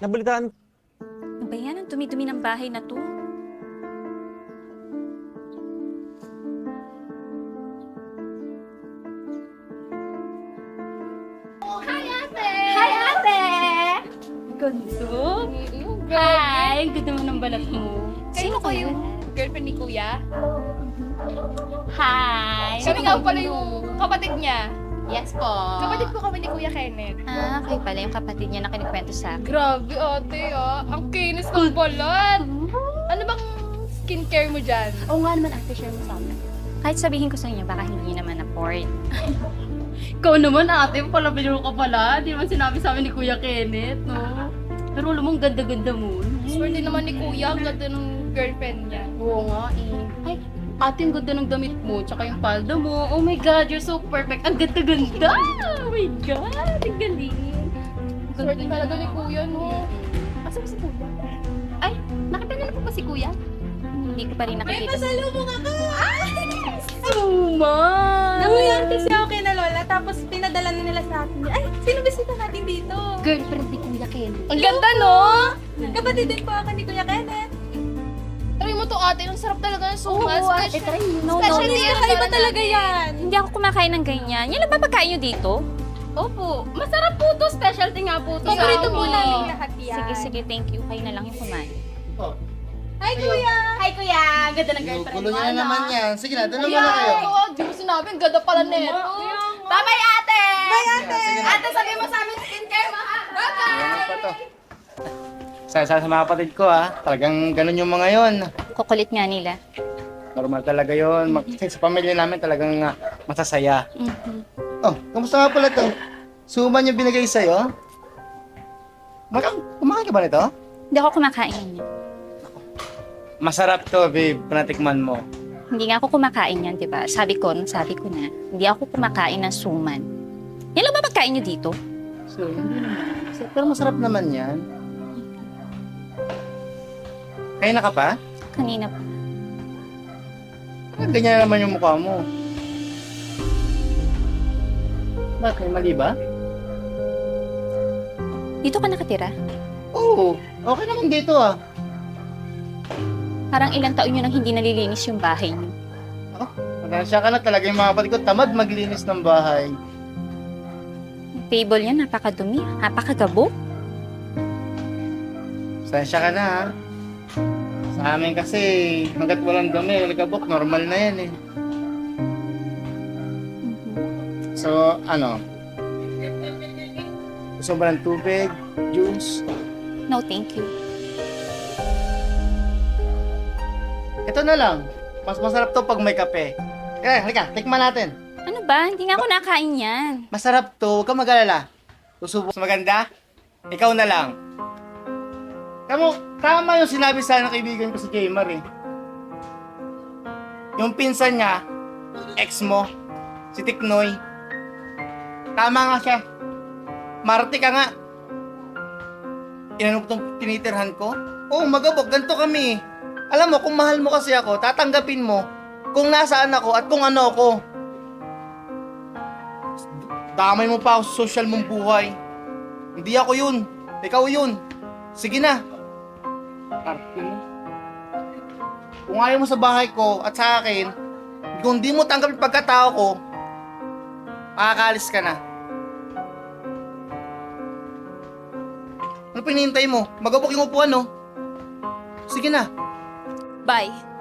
Nabalitaan. Ano ba yan? Ang dumi-dumi ng bahay na to. Hi, ate! Hi, ate! Ganto? Hi! Ang ganda mo ng balat mo. Sino kayo? Girlfriend ni Kuya? Hi! Kami nga pala yung kapatid niya. Yes po. Kapatid ko kami ni Kuya Kenneth. Ah, kayo pala yung kapatid niya na kinikwento sa akin. Grabe ate ang kinis ng balat. Ano bang skincare mo dyan? Oo nga naman, ate, share mo sa amin. Kahit sabihin ko sa inyo, baka hindi naman afford. Ikaw naman ate, palabiro ka pala. Di naman sinabi sa amin ni Kuya Kenneth, no? Pero alam mo, ang ganda-ganda mo. Swerte naman ni Kuya, ang ganda ng girlfriend niya. Oo nga eh. Ay, ate, ang ganda ng damit mo, tsaka yung palda mo. Oh my God, you're so perfect. Ang ganda-ganda! Oh my God, ang galing. Ang Swerte ganda talaga ni niya. Kuya, no? Asa ba si Kuya? Ay, nakita niyo na po ba si Kuya? Hindi ko pa rin nakikita. Pasalubong ako! Suman! Nanguyan kasi ako kay na Lola, tapos pinadala na nila sa akin. Ay, sino bisita natin dito? Girlfriend ni Kuya Kenneth. Ang ganda, no? Kapatid din po ako ni Kuya Kenneth. Try mo to ate, ang sarap talaga ng suka. ate, try mo. No, Specialty no, yan Kakaiba para talaga natin. yan. Hindi ako kumakain ng ganyan. Yan lang ba pagkain nyo dito? Opo, masarap po to. Specialty nga po to. Paborito sa po amin. namin lahat yan. Sige, sige, thank you. Kayo na lang yung kumain. Hi, Kuya! Hi Kuya, ang ganda ng girlfriend Gulo mo. niyo na ano? naman yan. Sige na, doon Kuya, naman na kayo. di mo sinabi, ang ganda pala neto. Bye-bye ate! Sige na. Ate, sabi mo sa amin skincare mo ha? Bye-bye! Ano pa to? Sa mga kapatid ko talagang ganun yung mga yon. Kukulit nga nila. Normal talaga yon. Sa pamilya namin talagang masasaya. Mhm. Oh, kamusta nga pala to? Suman yung binigay sa'yo? Kumakain ka ba nito? Hindi ako kumakain yan. Masarap to, babe. Panatikman mo. Hindi nga ako kumakain yan, di ba? Sabi ko na, hindi ako kumakain ng suman. Yan lang ba pagkain nyo dito? So, hindi naman. Pero masarap naman yan. Kaya na ka pa? Kanina pa. Ganyan na naman yung mukha mo. Bakit? May mali ba? Dito ka nakatira? Oo. Okay naman dito Parang ilang taon nyo nang hindi nalilinis yung bahay nyo. Pasensya ka na talaga yung mga kapatid ko. Tamad maglinis ng bahay. Yung table yan, napakadumi, napakagabo. Pasensya ka na Sa amin kasi, hanggat walang dumi, ligabok, normal na yan So, gusto mo ba ng tubig, juice? No, thank you. Ito na lang. Mas masarap to pag may kape. Halika, tikman natin. Ano ba? Hindi nga ako nakain yan. Masarap to, huwag kang mag-alala. Susubok sa maganda, ikaw na lang. Tama yung sinabi sa ng kaibigan ko si Jaymar Yung pinsan niya, ex mo, si Tiknoy. Tama nga siya. Marte ka nga. Inano mo itong tinitirhan ko? Oo, magabok, ganito kami. Alam mo, kung mahal mo kasi ako, tatanggapin mo kung nasaan ako at kung ano ako. Damay mo pa ako sa social mong buhay. Hindi ako yun. Ikaw yun. Sige na. Arte mo. Kung ayaw mo sa bahay ko at sa akin, kung di mo tanggapin pagkatao ko, makakaalis ka na. Ano pinihintay mo? Magabok yung upuan, no? Sige na. Bye.